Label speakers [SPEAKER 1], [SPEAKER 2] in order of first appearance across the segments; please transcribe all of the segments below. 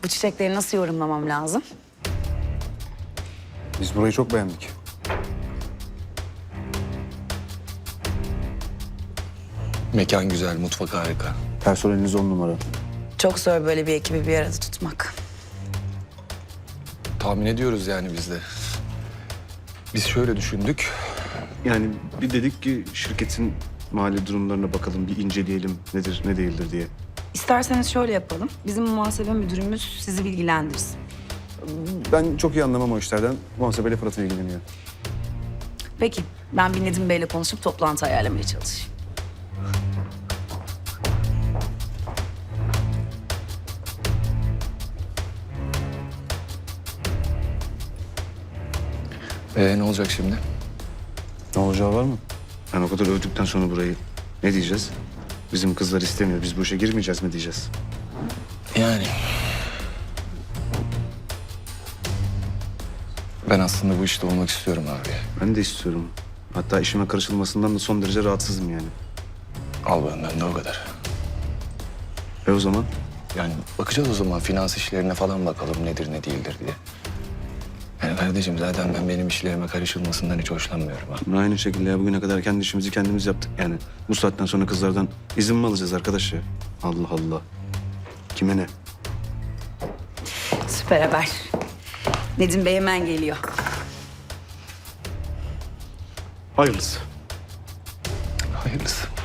[SPEAKER 1] Bu çiçekleri nasıl yorumlamam lazım?
[SPEAKER 2] Biz burayı çok beğendik.
[SPEAKER 3] Mekan güzel, mutfak harika.
[SPEAKER 2] Personeliniz 10 numara.
[SPEAKER 1] Çok zor böyle bir ekibi bir arada tutmak.
[SPEAKER 3] Tahmin ediyoruz yani biz de. Biz şöyle düşündük.
[SPEAKER 2] Yani bir dedik ki şirketin mali durumlarına bakalım, bir inceleyelim nedir ne değildir diye.
[SPEAKER 1] İsterseniz şöyle yapalım. Bizim muhasebe müdürümüz sizi bilgilendirsin.
[SPEAKER 2] Ben çok iyi anlamam o işlerden. Muhasebeyle Fırat'ın ilgileniyor.
[SPEAKER 1] Peki, ben bir Nedim Bey'le konuşup toplantı ayarlamaya çalışayım.
[SPEAKER 3] Ne olacak şimdi?
[SPEAKER 2] Ne olacağı var mı? Ben o kadar övdükten sonra burayı ne diyeceğiz? Bizim kızlar istemiyor, biz bu işe girmeyeceğiz mi diyeceğiz?
[SPEAKER 3] Yani... Ben aslında bu işte olmak istiyorum abi.
[SPEAKER 2] Ben de istiyorum. Hatta işime karışılmasından da son derece rahatsızım yani.
[SPEAKER 3] Al benden de o kadar.
[SPEAKER 2] O zaman?
[SPEAKER 3] Yani bakacağız o zaman finans işlerine falan bakalım nedir ne değildir diye. Yani kardeşim zaten ben benim işlerime karışılmasından hiç hoşlanmıyorum ha.
[SPEAKER 2] Aynı şekilde ya bugüne kadar kendi işimizi kendimiz yaptık yani. Bu saatten sonra kızlardan izin mi alacağız arkadaş ya? Allah Allah. Kime ne?
[SPEAKER 1] Süper haber. Nedim Bey hemen geliyor.
[SPEAKER 2] Hayırlısı.
[SPEAKER 3] Hayırlısı.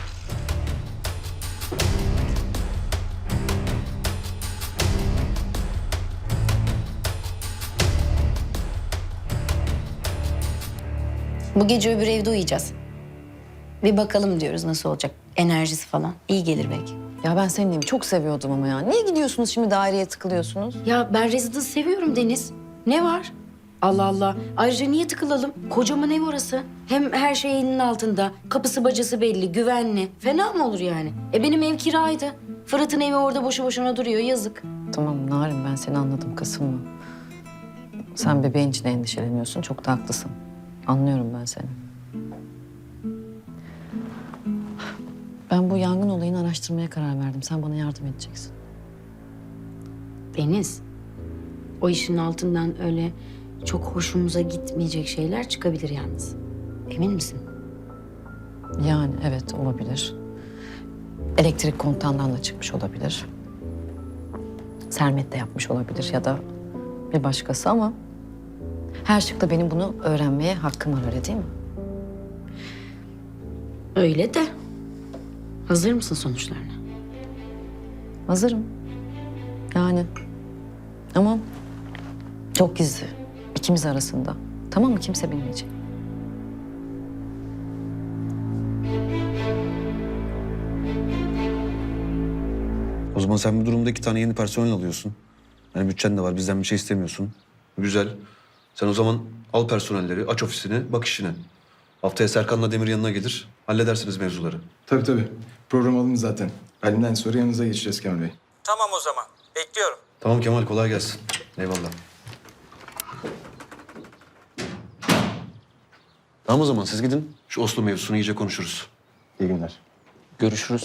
[SPEAKER 4] Bu gece öbür evde uyuyacağız. Bir bakalım diyoruz nasıl olacak. Enerjisi falan. İyi gelir belki.
[SPEAKER 5] Ya ben senin evi çok seviyordum ama ya. Niye gidiyorsunuz şimdi daireye tıkılıyorsunuz?
[SPEAKER 4] Ya ben residence seviyorum Deniz. Ne var? Allah Allah. Ayrıca niye tıkılalım? Kocaman ev orası. Hem her şey elinin altında. Kapısı bacası belli, güvenli. Fena mı olur yani? Benim ev kiraydı. Fırat'ın evi orada boşu boşuna duruyor. Yazık.
[SPEAKER 5] Tamam Narin, ben seni anladım, kasılma. Sen bebeğin için endişeleniyorsun, çok da haklısın. Anlıyorum ben seni. Ben bu yangın olayını araştırmaya karar verdim. Sen bana yardım edeceksin.
[SPEAKER 4] Deniz, o işin altından öyle çok hoşumuza gitmeyecek şeyler çıkabilir yalnız. Emin misin?
[SPEAKER 5] Yani evet, olabilir. Elektrik kontağından da çıkmış olabilir. Sermet de yapmış olabilir ya da bir başkası ama... her şıkta benim bunu öğrenmeye hakkım var, öyle değil mi?
[SPEAKER 4] Öyle de. Hazır mısın sonuçlarına?
[SPEAKER 5] Hazırım. Yani ama çok gizli. İkimiz arasında. Tamam mı? Kimse bilmeyecek.
[SPEAKER 2] O zaman sen bu durumda 2 tane yeni personel alıyorsun. Yani bütçen de var, bizden bir şey istemiyorsun. Güzel. Sen o zaman al personelleri, aç ofisini, bak işine. Haftaya Serkan'la Demir yanına gelir, halledersiniz mevzuları.
[SPEAKER 6] Tabii tabii. Program alın zaten. Halimden sonra yanınıza geçeceğiz Kemal Bey.
[SPEAKER 7] Tamam o zaman. Bekliyorum.
[SPEAKER 2] Tamam Kemal, kolay gelsin. Eyvallah. Tamam o zaman siz gidin. Şu Oslo mevzusunu iyice konuşuruz.
[SPEAKER 6] İyi günler.
[SPEAKER 3] Görüşürüz.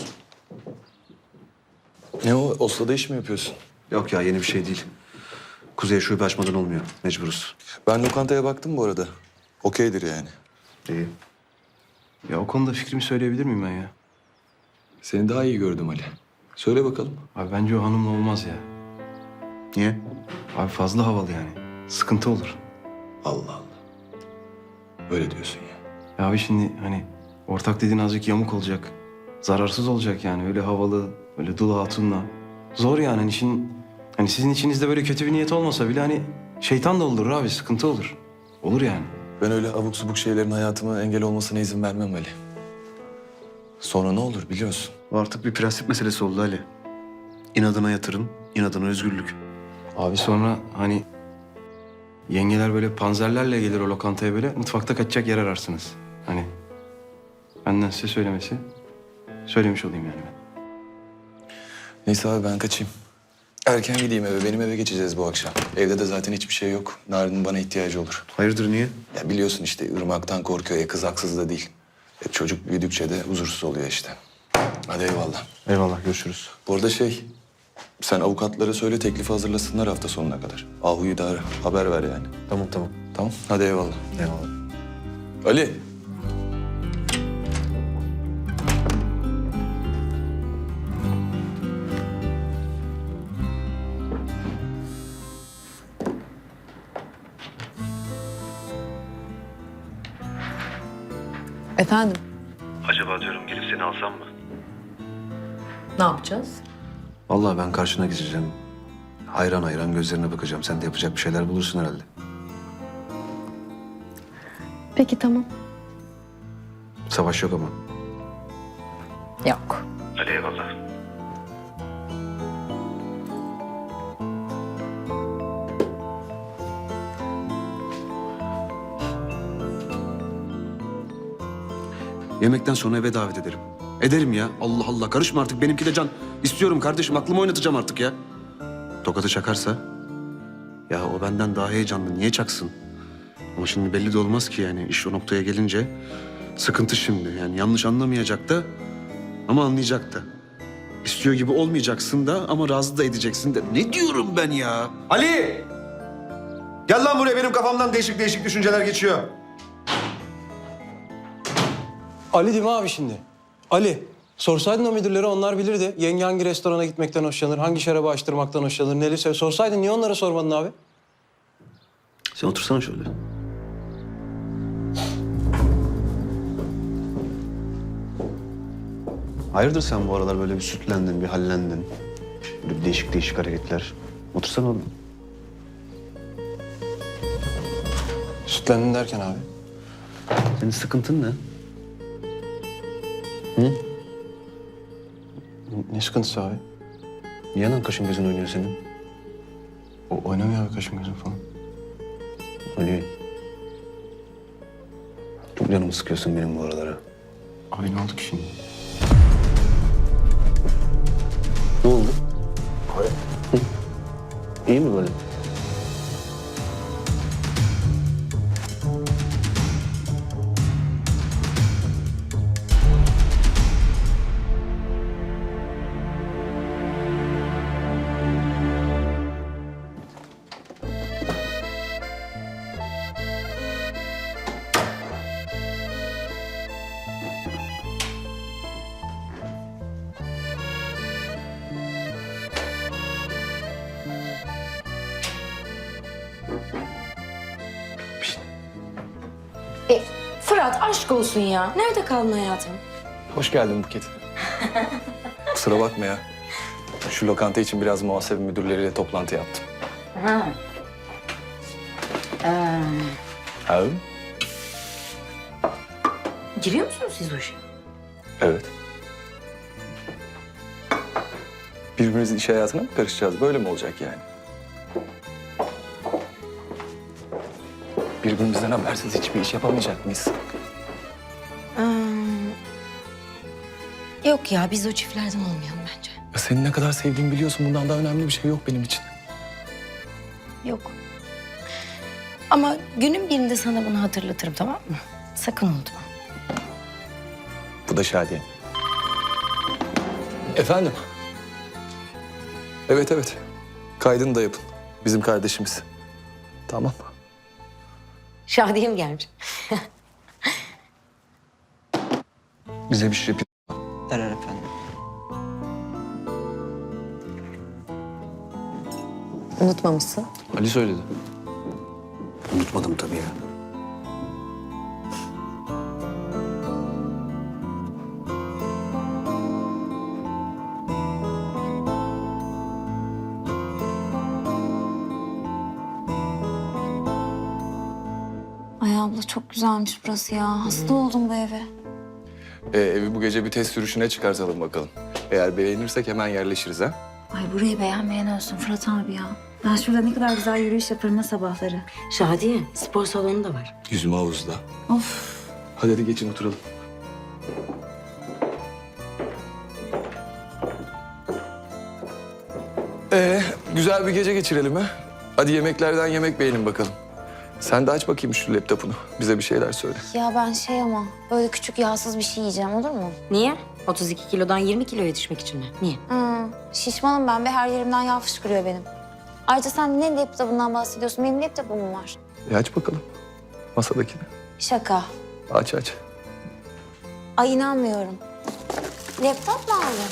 [SPEAKER 3] Ne o? Oslo'da iş mi yapıyorsun?
[SPEAKER 2] Yok ya, yeni bir şey değil. Kuzey'e şube açmadan olmuyor. Mecburuz.
[SPEAKER 3] Ben lokantaya baktım bu arada. Okeydir yani.
[SPEAKER 2] İyi. Ya o konuda fikrimi söyleyebilir miyim ben ya?
[SPEAKER 3] Seni daha iyi gördüm Ali. Söyle bakalım.
[SPEAKER 6] Abi bence o hanımla olmaz ya.
[SPEAKER 2] Niye?
[SPEAKER 6] Abi fazla havalı yani. Sıkıntı olur.
[SPEAKER 3] Allah Allah. Öyle diyorsun ya.
[SPEAKER 6] Ya abi şimdi hani ortak dediğin azıcık yamuk olacak. Zararsız olacak yani. Öyle havalı, öyle dul hatunla. Zor yani hani hani sizin içinizde böyle kötü bir niyet olmasa bile hani şeytan da olur abi, sıkıntı olur. Olur yani.
[SPEAKER 3] Ben öyle abuk subuk şeylerin hayatıma engel olmasına izin vermem Ali. Sonra ne olur biliyorsun.
[SPEAKER 2] O artık bir prensip meselesi oldu Ali. İnadına yatırım, inadına özgürlük.
[SPEAKER 6] Abi sonra hani yengeler böyle panzerlerle gelir o lokantaya, böyle mutfakta kaçacak yer ararsınız. Hani benden size söylemiş olayım yani ben.
[SPEAKER 3] Neyse abi ben kaçayım. Erken gideyim eve. Benim eve geçeceğiz bu akşam. Evde de zaten hiçbir şey yok. Narin'in bana ihtiyacı olur.
[SPEAKER 2] Hayırdır, niye?
[SPEAKER 3] Ya biliyorsun işte Irmak'tan korkuyor. Kız haksız da değil. Çocuk büyüdükçe de huzursuz oluyor işte. Hadi eyvallah.
[SPEAKER 2] Eyvallah, görüşürüz.
[SPEAKER 3] Bu arada Sen avukatlara söyle teklifi hazırlasınlar hafta sonuna kadar. Ahu'yu da ara, haber ver yani.
[SPEAKER 2] Tamam tamam.
[SPEAKER 3] Tamam, hadi eyvallah.
[SPEAKER 2] Eyvallah.
[SPEAKER 3] Ali.
[SPEAKER 5] Efendim?
[SPEAKER 8] Acaba diyorum gelip seni alsam mı?
[SPEAKER 5] Ne yapacağız?
[SPEAKER 2] Vallahi ben karşına geçeceğim. Hayran hayran gözlerine bakacağım. Sen de yapacak bir şeyler bulursun herhalde.
[SPEAKER 5] Peki tamam.
[SPEAKER 2] Savaş yok ama.
[SPEAKER 5] Yok.
[SPEAKER 8] Hadi eyvallah.
[SPEAKER 2] Yemekten sonra eve davet ederim. Ederim ya. Allah Allah. Karışma artık. Benimki de can. İstiyorum kardeşim. Aklımı oynatacağım artık ya. Tokatı çakarsa... Ya o benden daha heyecanlı. Niye çaksın? Ama şimdi belli de olmaz ki yani. İş o noktaya gelince sıkıntı şimdi. Yani yanlış anlamayacak da ama anlayacak da. İstiyor gibi olmayacaksın da ama razı da edeceksin de. Ne diyorum ben ya? Ali! Gel lan buraya. Benim kafamdan değişik değişik düşünceler geçiyor.
[SPEAKER 6] Ali değil mi abi şimdi? Ali. Sorsaydın o müdürlere onlar bilirdi. Yenge hangi restorana gitmekten hoşlanır, hangi şarabı açtırmaktan hoşlanır, neleri sever. Sorsaydın niye onlara sormadın abi?
[SPEAKER 2] Sen otursana şöyle. Hayırdır sen bu aralar böyle bir sütlendin, bir hallendin. Böyle bir değişik değişik hareketler. Otursana oğlum.
[SPEAKER 6] Sütlendin derken abi.
[SPEAKER 2] Senin sıkıntın ne?
[SPEAKER 6] Ne sıkıntısı abi?
[SPEAKER 2] Niye lan kaşın gözün oynuyor senin?
[SPEAKER 6] O oynamıyor abi kaşım gözüm falan.
[SPEAKER 2] Ali. Çok canımı sıkıyorsun benim bu aralara.
[SPEAKER 6] Abi ne oldu ki şimdi?
[SPEAKER 2] Ne oldu? Hı? İyi mi böyle?
[SPEAKER 4] Fırat aşk olsun ya. Nerede kaldın hayatım?
[SPEAKER 3] Hoş geldin Buket. Kusura bakma ya. Şu lokanta için biraz muhasebe müdürleriyle toplantı yaptım.
[SPEAKER 4] Ha.
[SPEAKER 3] Ha?
[SPEAKER 4] Giriyor musunuz siz o işe?
[SPEAKER 3] Evet. Birbirimizin iş hayatına mı karışacağız? Böyle mi olacak yani? Birbirimizden habersiz hiçbir iş yapamayacak mıyız?
[SPEAKER 4] Yok ya biz o çiftlerden olmayalım bence.
[SPEAKER 3] Ya seni ne kadar sevdiğimi biliyorsun. Bundan daha önemli bir şey yok benim için.
[SPEAKER 4] Yok. Ama günün birinde sana bunu hatırlatırım, tamam mı? Sakın unutma.
[SPEAKER 3] Bu da Şadiye. Efendim? Evet evet. Kaydını da yapın. Bizim kardeşimiz. Tamam.
[SPEAKER 4] Şadiyem gelmiş.
[SPEAKER 2] Bize bir şey yapayım.
[SPEAKER 9] Derler efendim.
[SPEAKER 5] Unutmamışsın.
[SPEAKER 2] Ali söyledi. Unutmadım tabii ya.
[SPEAKER 10] Ay abla çok güzelmiş burası ya. Hasta oldum bu eve.
[SPEAKER 3] Evi bu gece bir test sürüşüne çıkartalım bakalım. Eğer beğenirsek hemen yerleşiriz ha.
[SPEAKER 10] Ay burayı beğenmeyen olsun Fırat abi ya. Ben şurada ne kadar güzel yürüyüş yaparım ha sabahları.
[SPEAKER 4] Şadiye, spor salonu da var.
[SPEAKER 3] Yüzme havuzda.
[SPEAKER 10] Of.
[SPEAKER 3] Hadi geçin oturalım. Güzel bir gece geçirelim ha. Hadi yemeklerden yemek beğenin bakalım. Sen de aç bakayım şu laptopunu. Bize bir şeyler söyle.
[SPEAKER 10] Ya ben ama böyle küçük yağsız bir şey yiyeceğim olur mu?
[SPEAKER 4] Niye? 32 kilodan 20 kiloya düşmek için mi? Niye?
[SPEAKER 10] Şişmanım ben ve her yerimden yağ fışkırıyor benim. Ayrıca sen ne laptopundan bahsediyorsun? Benim laptopum var.
[SPEAKER 3] Aç bakalım masadakini.
[SPEAKER 10] Şaka.
[SPEAKER 3] Aç aç.
[SPEAKER 10] Ay inanmıyorum. Laptop mu aldın?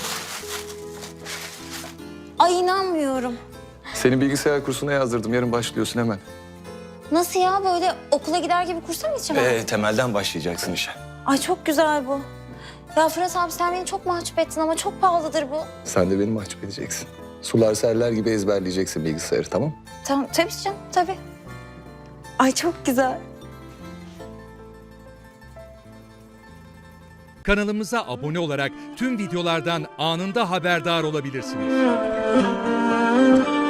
[SPEAKER 10] Ay inanmıyorum.
[SPEAKER 3] Seni bilgisayar kursuna yazdırdım. Yarın başlıyorsun hemen.
[SPEAKER 10] Nasıl ya böyle okula gider gibi kursa mı gideceğim?
[SPEAKER 3] Temelden başlayacaksın işe.
[SPEAKER 10] Ay çok güzel bu. Ya Fırat abi sen beni çok mahcup ettin ama çok pahalıdır bu.
[SPEAKER 3] Sen de beni mahcup edeceksin. Sular seller gibi ezberleyeceksin bilgisayarı, tamam?
[SPEAKER 10] Tamam tabii canım tabii. Ay çok güzel.
[SPEAKER 9] Kanalımıza abone olarak tüm videolardan anında haberdar olabilirsiniz.